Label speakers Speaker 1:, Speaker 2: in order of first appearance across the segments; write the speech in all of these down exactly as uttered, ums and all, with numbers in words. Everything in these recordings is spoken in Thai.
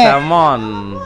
Speaker 1: แซลมอน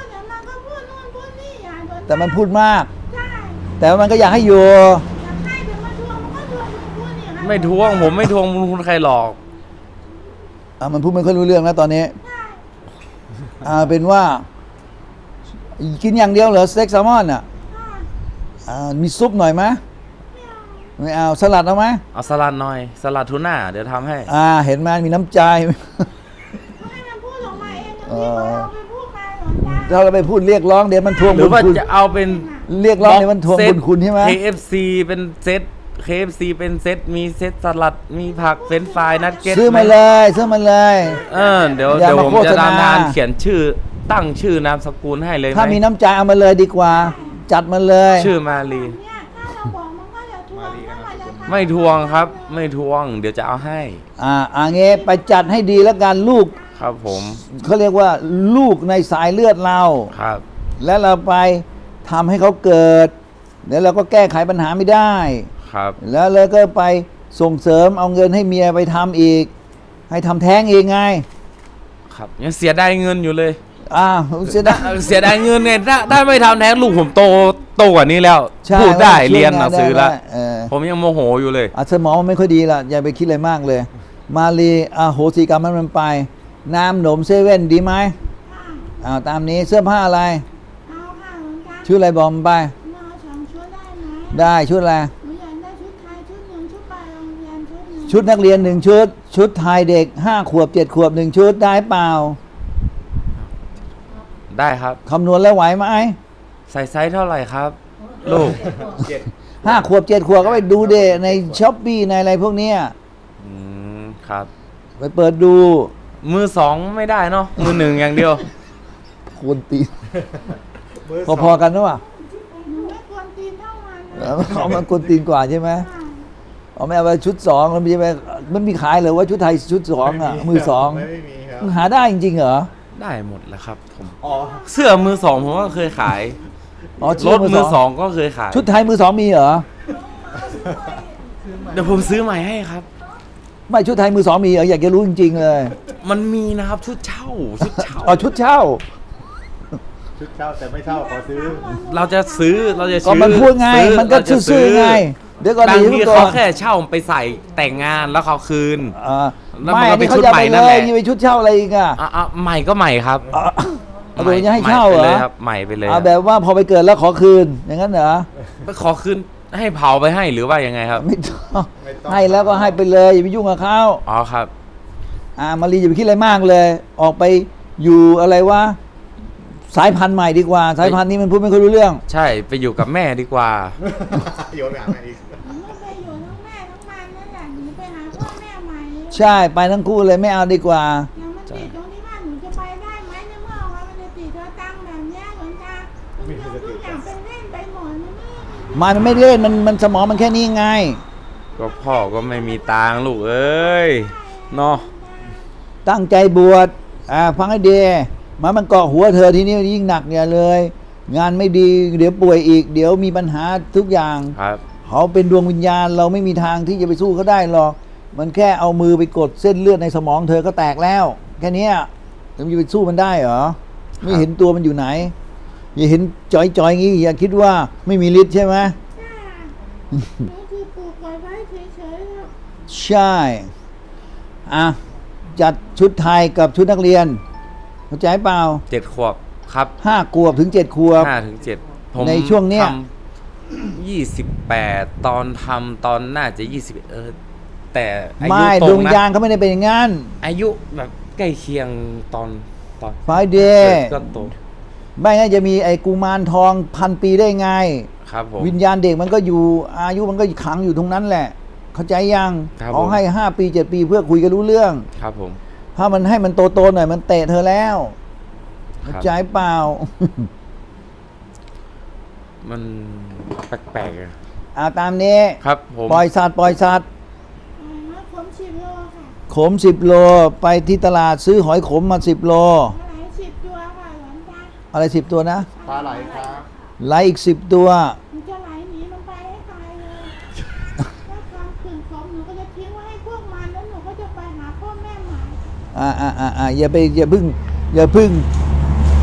Speaker 2: แต่มันพูดมาก
Speaker 3: ใช่
Speaker 2: แต่ว่ามันก็อยากให้อยู่
Speaker 3: อยากให้เดี๋ยวมาทวงมันก็ทวงอยู่พูดอย่างนั้น
Speaker 1: ไม่ทวงผมไม่ทวงบุญคุณใครหรอก
Speaker 2: อ่ะมันพูดไม่ค่อยรู้เรื่องแล้วตอนนี้
Speaker 3: ใช่
Speaker 2: อ่าเป็นว่า กินอย่างเดียวเหรอสเต็กแซลมอนอ่ะ
Speaker 3: ใช่
Speaker 2: อ่ามีซุปหน่อยไหม
Speaker 3: ไม่เอา
Speaker 2: ไม่เอาสลัดเอาไหม
Speaker 1: เอาสลัดหน่อยสลัดทูน่าเดี๋ยวทำให้
Speaker 2: อ่าเห็นไหมมีน้ำใจ
Speaker 3: ให้มันพูดออกมาเองอย่างนี้เราไปพูดมาหรอจ้า
Speaker 2: ถ้าเราไปพูดเรียกร้องเดี๋ยวมันทวง
Speaker 1: หรื
Speaker 2: บุ
Speaker 1: อ
Speaker 2: ญ
Speaker 1: ว่า
Speaker 2: คุณ
Speaker 1: จะเอาเป็น
Speaker 2: เรียกร้องเดี๋ยวมันทวงบุญคุณใช่ไหม
Speaker 1: เค เอฟ ซี เป็นเซต เค เอฟ ซี เป็นเซตมีเซตสลัดมีผักเฟรนช์ฟรายนัดเก็ต
Speaker 2: ซื้อมาเลยซื้อมาเลย
Speaker 1: เออเดี๋ยว
Speaker 2: อย่า
Speaker 1: เดี๋ยว
Speaker 2: มา
Speaker 1: ผม
Speaker 2: โฆษ
Speaker 1: จะ
Speaker 2: ณา
Speaker 1: ทำงานเขียนชื่อตั้งชื่อนามสกุลให้เลยไห
Speaker 2: ถ้ามีน้ำใจเอามาเลยดีกว่า จัดมาเลย
Speaker 1: ชื่อมาลี
Speaker 3: เนี่ยถ้าเราบอกมันก็จะทวงถ้ามันจะทำ
Speaker 1: ไม่ทวงครับ ไม่ทวง เดี๋ยวจะเอาให้
Speaker 2: อ่าอ่าเงี้ไปจัดให้ดีแล้วกันลูก
Speaker 1: ครับผม
Speaker 2: เขาเรียกว่าลูกในสายเลือดเรา
Speaker 1: ครับ
Speaker 2: แล้วเราไปทำให้เขาเกิดแล้วเราก็แก้ไขปัญหาไม่ได้
Speaker 1: ครับ
Speaker 2: แล้วเลยก็ไปส่งเสริมเอาเงินให้เมียไปทำอีก ให้ทำแท้งเองไง
Speaker 1: ครับยังเสียดายเงินอยู่เลย
Speaker 2: อ้าวเสียดาย
Speaker 1: เสียดายเงินไงถ้าถ้าไม่ทำแท้งลูกผมโตโตกว่านี้แล้ว
Speaker 2: ใช่
Speaker 1: พูดได้
Speaker 2: ช่วย
Speaker 1: เรียนห
Speaker 2: งา
Speaker 1: นังสือแล้ว
Speaker 2: ได้เออ
Speaker 1: ผมยังโมโหอยู่เลย
Speaker 2: อ่ะสมองมันไม่ค่อยดีละอย่าไปคิดอะไรมากเลย มาลีอ่ะโหสิกรรมมันมันไป น้ำหนมเซเว่นดีไหม
Speaker 3: ค่ะ
Speaker 2: อ้าวตามนี้เสื้อผ้าอะไร
Speaker 3: เอาค่ะหลวงตา
Speaker 2: ชุดอะไรบอกมันไป
Speaker 3: เอาสองชุดได้ไหม
Speaker 2: ได้ชุดอะไร
Speaker 3: หนูอยากได้ชุดไทยชุดหนึ่งชุดไปโรงเรียนชุดหนึ่ง
Speaker 2: ชุดนักเรียนหนึ่งชุด ชุดไทยเด็กห้าขวบเจ็ดขวบหนึ่งชุดได้เปล่า
Speaker 1: ได้ครับ
Speaker 2: คำนวณแล้วไหวไหม
Speaker 1: ใส่ไซส์เท่าไหร่ครับ ลูก
Speaker 2: ห้าขวบเจ็ดขวบก็ไปดูเดในช้อปปี้ในอะไรพวกเนี้ย
Speaker 1: อืมครับ
Speaker 2: ไปเปิดดู
Speaker 1: มือสองไม่ได้เนาะมือหนึ่งอย่างเดียว
Speaker 2: คนตีพอๆกันหรือเปล่า
Speaker 3: หนูไม่ควรตีนเท่ามัน
Speaker 2: เออเขามันคนตีนกว่าใช่ไหม
Speaker 3: ค่ะ
Speaker 2: เอาไม่เอาไปชุดสองมันมีไปมันมีขายเลยว่าชุดไทยชุดสองอ่ะมือสอง
Speaker 4: ไม่มีครับ
Speaker 2: มันหาได้จริงๆเหรอ
Speaker 1: ได้หมดแล้วครับผม
Speaker 4: อ๋อ
Speaker 1: เสื้อมือสองผมก็เคยขาย
Speaker 2: อ๋อ
Speaker 1: ร
Speaker 2: ชุด
Speaker 1: ถมือสองก็เคยขาย
Speaker 2: ชุดไทยมือสองมีเหรอ
Speaker 1: เดี๋ยวผมซื้อใหม่ให้ครับ
Speaker 2: ไม่ชุดไทยมือสองมีเหรออยากจะรู้จริงๆเลย
Speaker 1: มันมีนะครับชุดเช่าชุดเช่า
Speaker 2: อ๋อชุดเช่า
Speaker 4: ชุดเช่าแต่ไม่เช่าขอซื้อ
Speaker 1: เราจะซื้อเราจะ
Speaker 2: ก็
Speaker 1: ซื้อ
Speaker 2: มันพูดไง
Speaker 1: ซื้อ
Speaker 2: มันก็
Speaker 1: เราจะ
Speaker 2: ซื่อๆไง เดี๋ยวก่อน
Speaker 1: บาง
Speaker 2: ดี
Speaker 1: ที
Speaker 2: ก่อ
Speaker 1: เขา
Speaker 2: น
Speaker 1: แค่เช่าไปใส่แต่งงานแล้วเขาคืน
Speaker 2: อ่า
Speaker 1: แล้ว
Speaker 2: ไม่
Speaker 1: มันก็
Speaker 2: อันนี้
Speaker 1: เป็น
Speaker 2: เขา
Speaker 1: ชุด
Speaker 2: จะ
Speaker 1: ใหม่
Speaker 2: ไป
Speaker 1: นั่
Speaker 2: เล
Speaker 1: นแห
Speaker 2: ย
Speaker 1: ละ
Speaker 2: นี่ไปชุดเช่าอะไรอีกอ่ะ
Speaker 1: อ่ะอ่ะใหม่ก็ใหม่ครับ
Speaker 2: อ่ะเอาตัวจะให้เช่าเหร
Speaker 1: ใม่ไป
Speaker 2: อ
Speaker 1: เลยครับใหม่ไปเลย
Speaker 2: เอาแบบว่าพอไปเกิดแล้วขอคืนอย่างนั้นเหรอ
Speaker 1: ไปขอคืนให้เผาไปให้หรือว่ายังไงครับ
Speaker 2: ไม่ต้อง
Speaker 4: ไม่ต้อง
Speaker 2: ให้แล้วก็ให้ไปเลยอย่าไปยุ่งกับเขา
Speaker 1: อ๋อครับ
Speaker 2: อ่ามารีอย่าไปคิดอะไรมากเลย ออกไปอยู่อะไรวะสายพันธุ์ใหม่ดีกว่า สายพันธุ์นี้มันพูดไม่ค่อยรู้เรื่อง
Speaker 1: ใช่ไปอยู่กับแม่ดีกว่า
Speaker 4: โยนหามาอีก
Speaker 3: หนูไม่ไปอยู่ทั้งแม่ทั้งมันนั่นแหละหนูไปหาพ่อแม่ใหม่
Speaker 2: ใช่ไปทั้งคู่เลยไม่เอาดีกว่า
Speaker 3: อย่างมันติดตรงที่ว่าหนูจะไปได้ไหมในเมื่อว่ามันจะติดเธอตั้งแบบเนี้ยหลวงตาทุกอย่างทุกอย่างเป็นเล่นไปหมดมันไม่มี
Speaker 2: มันไม่ได้เล่นมันมันสมองมันแค่นี้ไง
Speaker 1: ก็พ่อก็ไม่มีตังค์ลูกเอ้ยเนาะ
Speaker 2: ตั้งใจบวชอ่าฟังให้ดีมามันเกาะหัวเธอทีนี้ยิ่งหนักเนี่ยเลย งานไม่ดีเดี๋ยวป่วยอีก เดี๋ยวมีปัญหาทุกอย่าง
Speaker 1: ครับ
Speaker 2: เขาเป็นดวงวิญญาณเราไม่มีทางที่จะไปสู้เขาได้หรอกมันแค่เอามือไปกดเส้นเลือดในสมองเธอก็แตกแล้ว แค่เนี้ยจะไปสู้มันได้เหรอไม่เห็นตัวมันอยู่ไหน อย่าเห็นจอยๆอย่างงี้อย่าคิดว่าไม่มีฤทธิ์ใช่ไหม
Speaker 3: ใช่หนูคือปลูกไว้ไว้เฉยๆแล้ว
Speaker 2: ใช่อ่ะจัดชุดไทยกับชุดนักเรียนเข้าใจเปล่า
Speaker 1: เจ็ดขวบครับ
Speaker 2: ห้าขวบถึงเจ็ดขวบ
Speaker 1: ห้าถึงเจ็ดผม
Speaker 2: ในช่วงเนี้ย
Speaker 1: ยี่สิบแปดตอนทำตอนน่าจะยี่สิบเออแต่อายุ
Speaker 2: ไม่
Speaker 1: ต
Speaker 2: ด
Speaker 1: ร
Speaker 2: ว
Speaker 1: ง
Speaker 2: งวิญ
Speaker 1: นะ
Speaker 2: ญาณเขาไม่ได้เป็นอย่างนั้น
Speaker 1: อายุแบบใกล้เคียงตอนตอน
Speaker 2: ไฟเด
Speaker 1: เกิ
Speaker 2: ย์
Speaker 1: ดก็โต
Speaker 2: ไม่งั้นจะมีไอ้กุมารทองพันปีได้ไง
Speaker 1: ครับผม
Speaker 2: วิญญาณเด็กมันก็อยู่อายุมันก็ขังอยู่ตรงนั้นแหละ เข้าใจยัง
Speaker 1: ครับ
Speaker 2: เขา
Speaker 1: ผม
Speaker 2: ให้ห้าปีเจ็ดปีเพื่อคุยกันรู้เรื่อง
Speaker 1: ครับผม
Speaker 2: ถ้ามันให้มันโตๆหน่อยมันเตะเธอแล้ว
Speaker 1: ครับ
Speaker 2: เข้าใจเปล่า
Speaker 1: มันแปลกๆอะ
Speaker 2: อ่าตามนี้
Speaker 1: ครับผม
Speaker 2: ปล่อยสัตว์ปล่อยสัตว์
Speaker 3: อ่ามาผมสิบโลค่ะ
Speaker 2: ขมสิบโลไปที่ตลาดซื้อหอยขมมาสิบโล
Speaker 3: ปลาไหลสิบตัวค่ะหลวงตา
Speaker 2: อะไรสิบตัวนะ
Speaker 4: ปลาไหลครับ
Speaker 2: ไหลอีกสิบตัว
Speaker 3: หนูจะไหลหนีมันไปให้ตายเลยถ้าความขืนของหนูก็จะทิ้งไว้ให้พวกมันแล้วหนูก็จะไปหาพ่อแม่ใหม่
Speaker 2: อ่าอ่าอ่าอ่าอย่าไปอย่าพึ่งอย่าพึ่ง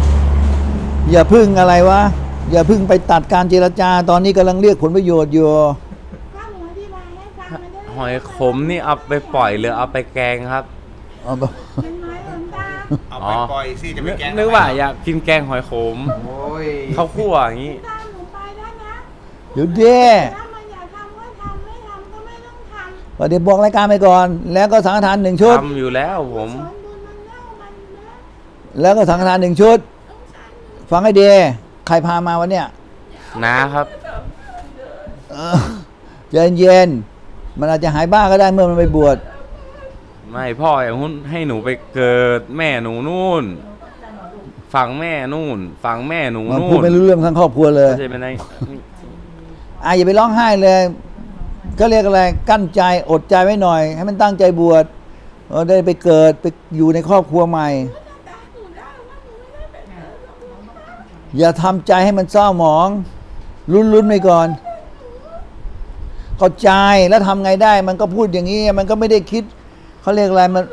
Speaker 2: อย่าพึ่งอะไรวะ อย่าพึ่งไปตัดการเจรจา ตอนนี้กำลังเรียกผลประโยชน์อยู่
Speaker 3: ข้าหนูอธิบายให้ฟังมันจะได้
Speaker 1: หอยขมนี่เอาไปปล่อยหรือเอาไปแกงครับ
Speaker 2: เอาไป
Speaker 3: เป็นไม้หลวงตา
Speaker 4: เอาไปปล่อยสิจะไปแกล้ง
Speaker 1: นึกว่าอยากกินแกงหอยขม
Speaker 4: โอ้ย
Speaker 1: ข้าวคั่วอย่างนี้
Speaker 3: ตามหนูไปแล้วนะ
Speaker 2: เดี๋ยวเด้
Speaker 3: ถ้ามันอยากทำก็ทำไม่ทำก็ไม่ต้องทำ
Speaker 2: เดี๋ยวบอกรายการไปก่อน แล้วก็สังฆทานหนึ่งชุด
Speaker 1: ทำอยู่แล้วผม
Speaker 3: สอนบุญมันเล่ามันนะ
Speaker 2: แล้วก็สังฆทานหนึ่งชุด
Speaker 3: ต้องสารหนู
Speaker 2: ฟังให้ดีใครพามาวันเนี้ย
Speaker 1: นะครับ
Speaker 2: เออใจเย็นๆมันอาจจะหายบ้าก็ได้เมื่อมันไปบวช
Speaker 1: ไม่พ่ออย่างหุ้นให้หนูไปเกิดแม่หนูนู่นฝั่งแม่นู่นฝั่งแม่หนู
Speaker 2: มัน
Speaker 1: นู่
Speaker 2: พูด
Speaker 1: น
Speaker 2: ไม่รู้เรื่องทั้งครอบครัวเลย
Speaker 1: เข้าใจไหมนาย
Speaker 2: อ่ะอย่าไปร้องไห้เลย ก็เรียกอะไร กั้นใจอดใจไว้หน่อย ให้มันตั้งใจบวชเออได้ไปเกิดไปอยู่ในครอบครัวใหม่
Speaker 3: ตาหนูได้ว่าหนูไม่ได้เป็นเธอหรอกหลวงตา
Speaker 2: อย่าทำใจให้มันเศร้าหมอง ลุ้นๆไปก่อนเข้าใจแล้วทำไงได้ มันก็พูดอย่างนี้ มันก็ไม่ได้คิดเขาเรียกอะไรมัน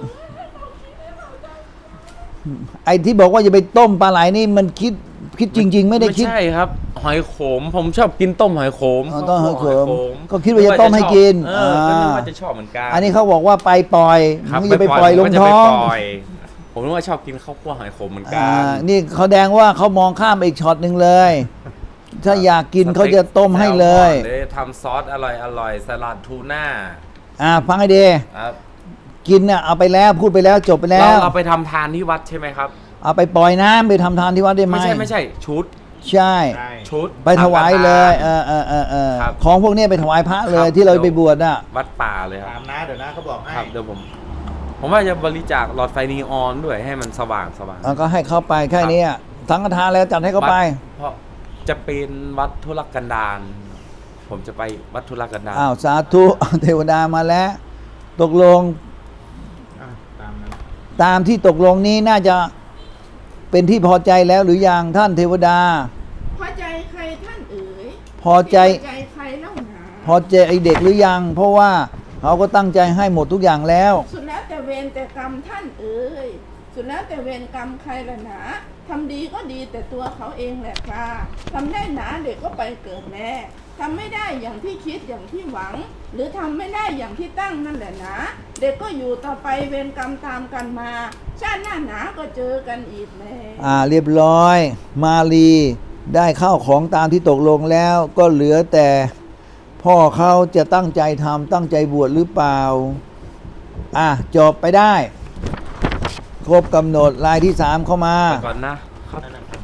Speaker 2: ไอ้ที่บอกว่าอย่าไปต้มปลาไหลนี่มันคิดคิดจริง ๆ ไม่ได้คิด
Speaker 1: ไม่ใช่ครับ หอยขม ผมชอบกินต้มหอยขม
Speaker 2: อ๋อต้มหอยขม
Speaker 1: ม
Speaker 2: ก็คิดว่าจะต้มให้กิน
Speaker 1: เออก็นึก
Speaker 2: อ่า
Speaker 1: ว่าจะชอบเหมือนกัน
Speaker 2: อันนี้เขาบอกว่าไปปล่อย
Speaker 1: ครับ
Speaker 2: มึงอย่าไปปล่อยลง
Speaker 1: ผมก็จะ
Speaker 2: ท้
Speaker 1: ไป
Speaker 2: อง
Speaker 1: ปล่อยผมนึกว่าชอบกินข้าวคั่วหอยขมเหมือนกั
Speaker 2: อ่าน นี่เขาแดงว่าเขามองข้ามไปอีกช็อตหนึ่งเลย ถ้าอยากกินเขาจะต้มให้เลย
Speaker 1: แซลมอนเลยทำซอสอร่อยอร่อยสลัดทูน่า
Speaker 2: อ่าฟังให้ดี
Speaker 1: ครับ
Speaker 2: กินน่ะเอาไปแล้วพูดไปแล้วจบไปแล้
Speaker 1: เรา
Speaker 2: ว
Speaker 1: เราไปทำทานที่วัดใช่ไหมครับ
Speaker 2: เอาไปปล่อยน้ำไปทำทานที่วัดได้ไหม
Speaker 1: ไม่ใช่ไม่ใช่ชุด
Speaker 2: ใช่
Speaker 4: ใช่
Speaker 1: ชุด
Speaker 2: ไปถวายเลย เอ
Speaker 1: สังฆทาน
Speaker 2: อเออเออเออ
Speaker 1: ครับ
Speaker 2: ของพวกนี้ไปถวายพระเลย
Speaker 1: ครับ
Speaker 2: ที่เราไปบวชน่ะ
Speaker 1: วัดป่าเลยค
Speaker 4: ตา
Speaker 1: รับ
Speaker 4: มนะเดี๋ยวนะเขาบอกให้
Speaker 1: ครับเดี๋ยวผม ผมว่าจะบริจาคหลอดไฟนีออนด้วยให้มันสว่างสว่าง
Speaker 2: อ่ะก็ให้เขาไปแค่นี้อ่ะสังฆทานแล้วจัดให้เขาไป
Speaker 1: วัดเพราะจะเป็นวัดธุรกันดารผมจะไปวัดธุรกันดาร
Speaker 2: อ้าวสาธุ เทวดามาแล้ว ตกลง
Speaker 4: อ่ะตามนั้น
Speaker 2: ตามที่ตกลงนี้น่าจะเป็นที่พอใจแล้วหรือยังท่านเทวดา
Speaker 3: พอใจใครท่านเอ๋ย
Speaker 2: พอใจ
Speaker 3: พอใจใครเล่าหนา
Speaker 2: พอใจไอเด็กหรือยัง เพราะว่าเขาก็ตั้งใจให้หมดทุกอย่างแล้ว
Speaker 3: สุดแล้วแต่เวรแต่กรรมท่านเอ๋ยสุดแล้วแต่เวรกรรมใครละหนาทำดีก็ดีแต่ตัวเขาเองแหละค่ะทำได้หนาเด็กก็ไปเกิดแน่ทำไม่ได้อย่างที่คิดอย่างที่หวัง หรือทำไม่ได้อย่างที่ตั้งนั่นแหละนะเด็กก็อยู่ต่อไปเวรกรรมตามกันมา ชาติหน้าหนาก็เจอกันอีกแน่
Speaker 2: อ่าเรียบร้อย มาลีได้ข้าวของตามที่ตกลงแล้ว ก็เหลือแต่ พ่อเขาจะตั้งใจทำตั้งใจบวชหรือเปล่า อ่ะจบไปได้ ครบกำหนดรายที่สามเข้ามา
Speaker 1: ไปก่อนนะครับ